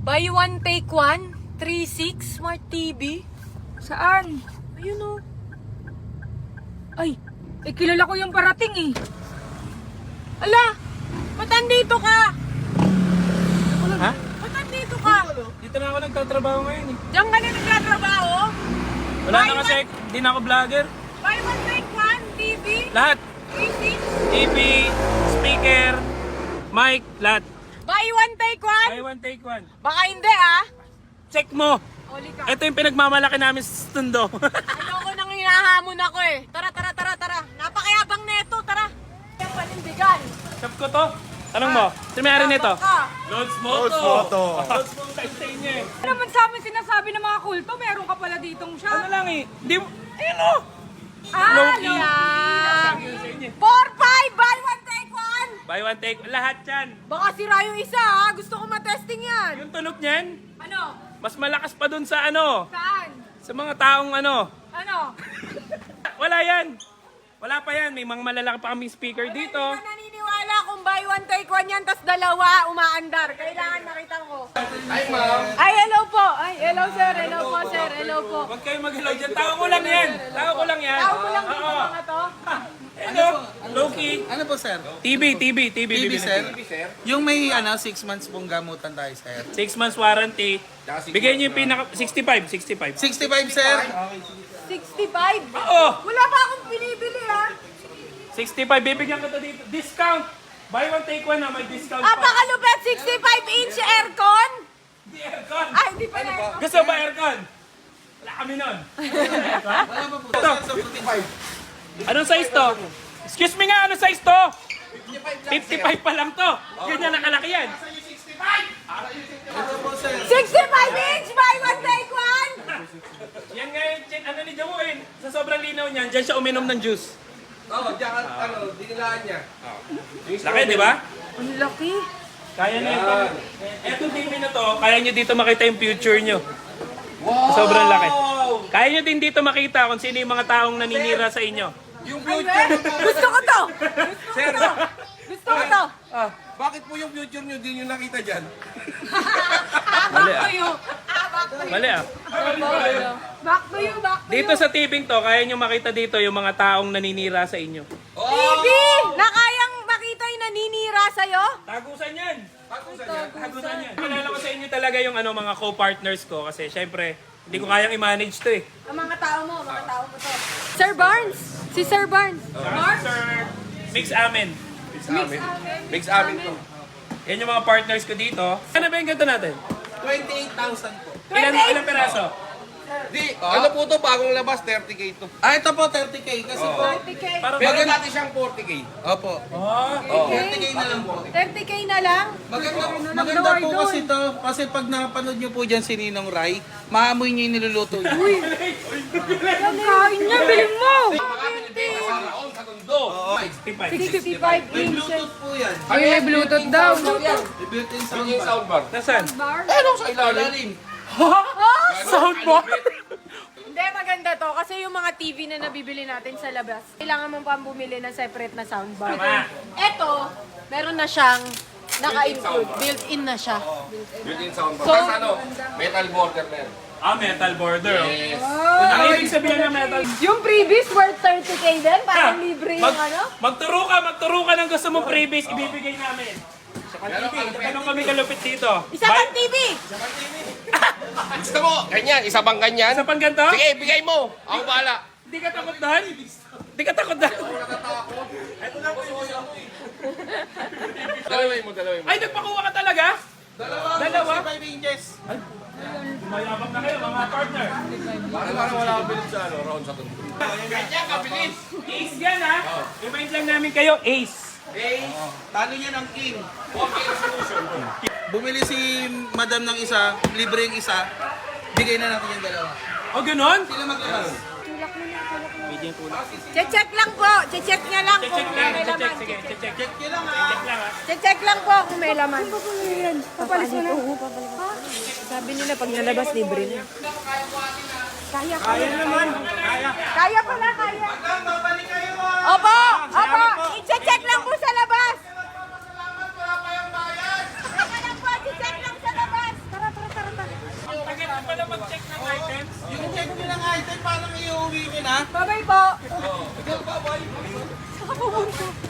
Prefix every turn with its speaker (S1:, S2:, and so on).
S1: Buy one, take one. 3.6 Smart TV.
S2: Saan?
S1: Ayun o.
S2: Ay, kilala ko yung parating eh.
S1: Ala! Ba't andito ka?
S3: Ha?
S1: Ba't andito ka?
S3: Dito na ako nagtatrabaho ngayon eh.
S1: Diyan ka na nagtatrabaho?
S3: Wala na kasi, hindi na ako vlogger.
S1: Buy one, take one. TV.
S3: Lahat.
S1: 3.6.
S3: TV, speaker, mic, lahat.
S1: Buy one, take one.
S3: Buy one, take one.
S1: Baka hindi ah.
S3: Check mo.
S1: Huli ka.
S3: Ito yung pinagmamalaki namin sa Tondo.
S1: Ayoko nang hinahamon ako eh. Tara, tara, tara, tara. Napakayabang neto, tara. Yung panindigan.
S3: Shop ko to. Tanong mo, sino may-ari nito?
S1: Ka.
S3: Lods Moto. Lods Moto sa inyo eh.
S2: Ano naman sa amin sinasabi ng mga kulto, meron ka pala ditong
S3: Ano
S2: shop.
S3: lang eh. Di mo, ayun o.
S2: Ah,
S3: Low-key.
S1: Yan.
S3: Sabi ko sa inyo.
S1: 4-5, buy one, take one.
S3: Buy one, take lahat yan.
S1: Baka sira yung isa ha. Gusto ko matesting yan.
S3: Yung tunog niyan,
S2: ano?
S3: mas malakas pa dun sa ano,
S2: Saan?
S3: sa mga taong ano.
S2: Ano?
S3: Wala yan. Wala pa yan. May mga malalaki pa kaming speaker dito.
S1: Hindi ka naniniwala kung buy one, take one yan, tas dalawa umaandar. Kailangan makita ko.
S4: Hi, ma'am.
S1: Ay, hello po. Ay, hello sir. Hello po sir. Hello po.
S3: Huwag kayo mag-hello dyan. Tao ko lang yan. Tao ko lang yan.
S1: Tao ko lang dito
S3: Oo.
S1: mga to.
S3: Hello. Low-key.
S4: Ano po, sir?
S3: TV.
S4: TV,
S3: bibili.
S4: sir? Yung may 6 months pong gamutan tayo, sir.
S3: 6 months warranty. Bigay niyo yung pinaka 65.
S4: 65, sir?
S1: 65.
S3: Oo.
S1: Wala pa akong binibili ha.
S3: 65. Bibigyan ko to dito. Discount. Buy one, take one na. May discount pa.
S1: Apakalupet, 65-inch aircon.
S3: Hindi aircon.
S1: Ay, hindi pa na aircon.
S3: Gusto ba aircon? Wala kami nun.
S4: Wala pa po, sir, sa 55.
S3: Anong size to? Excuse me nga, anong size to? 55 pa lang to. Ganyan nakalaki yan.
S4: Ito po, sir.
S1: 65-inch, buy one, take one.
S3: Yan nga yung ano ni Jamuin. Sa sobrang linaw niyan, dyan siya uminom ng juice.
S4: Oo, diyan, dinilaan niya.
S3: Laki, di ba?
S1: Ang laki.
S3: Kaya na ito. Etong TV na to, kaya nyo dito makita yung future nyo. Sobrang laki. Kaya nyo din dito makita kung sino yung mga taong naninira sa inyo.
S4: Yung future niyo po.
S1: Gusto ko to.
S4: Sir,
S1: Gusto ko to.
S4: bakit po yung future niyo din yung nakita dyan?
S3: Mali ah.
S1: Back to you.
S3: Mali ah.
S1: Back to you, back to you.
S3: Dito sa TV to, kaya nyo makita dito yung mga taong naninira sa inyo.
S1: TV! Na kayang makita yung naninira sa'yo?
S3: Tagusan yan!
S4: Pakusan niya.
S3: Tagusan yan. Kilala ko sa inyo talaga yung ano, mga co-partners ko kasi syempre, hindi ko kayang i-manage to eh.
S1: Ang mga tao mo to. Sir Barnes! Si Sir Barnes.
S3: Sir, mix amin.
S4: Mix amin to.
S3: Yan yung mga partners ko dito. Ano ba yung ganito natin?
S4: 28,000 po.
S3: Ilang peraso?
S4: Di, ano po to, bagong labas, 30K to. Ah, ito po, 30K. Kasi po,
S1: 30K.
S3: Parang
S4: meron natin siyang 40K. Opo.
S3: Oh,
S4: 30K na lang po.
S1: 30K na lang?
S4: Maganda po kasi to, kasi pag napanood nyo po dyan si Ninong Rai, maamoy niyo yung niluluto niyo.
S2: Ang kain niya, bilhin mo!
S4: Sa tondo.
S3: 65.
S1: 65
S4: May
S1: inches.
S4: Bluetooth po yan.
S2: May Bluetooth daw.
S4: May built-in soundbar.
S3: Nasaan?
S4: Ano sa ilalim?
S3: Soundbar!
S1: Hindi, maganda to. Kasi yung mga TV na nabibili natin sa labas, kailangan mong pang bumili ng separate na soundbar.
S3: Tama.
S1: Ito, meron na siyang naka-include. Built-in na siya.
S4: Built-in soundbar.
S1: So,
S4: Tapos ano, metal border na yan.
S3: Ah, metal border. Oh.
S4: Yes.
S3: Ang ibig sabihin ng metal
S1: Yung previous worth 30K din, parang libre yung ano.
S3: Magturo ka ng gusto mong freebies, ibibigay namin. Ganun kami kalupit dito.
S1: Isa pang TV!
S4: Gusto mo, ganyan, isa bang ganyan?
S3: Sa pang ganito?
S4: Sige, bigay mo. Ako bahala.
S3: Hindi ka takot doon? Hindi ka takot doon?
S4: Dalawin mo.
S3: Ay, nagpakuha ka talaga? Dalawa?
S4: 5 inches.
S3: Mayabang na kayo, mga partner.
S4: Parang wala akong bilid sa round sa tondo. Ganyan, kabilis.
S3: Ace yan ha? Remind lang namin kayo, ace.
S4: Talo niya ng king. Okay, solution. Bumili si madam ng isa, libre yung isa, bigay na natin yung dalawa.
S3: O ganon?
S4: Sila maglabas.
S1: Check lang po. Check niya lang kung
S3: Check lang,
S1: may laman.
S3: check. Sige, check.
S4: Check nyo lang ha.
S3: Check lang ha.
S1: Check lang po kung may laman.
S2: Papalis mo na.
S1: Sabi nila pag nalabas, libre na.
S3: Kaya naman. Kaya.
S1: Kaya pala, kaya. Opo! Opo! I-check lang po sa labas. Teka lang po, i-check lang sa labas. Tara, tara.
S3: mag-check ng items?
S4: Yung check nyo ng item, parang iuwi nyo na.
S2: Bye-bay po.
S4: Ikaw ba, boy?
S2: Saka pumunta.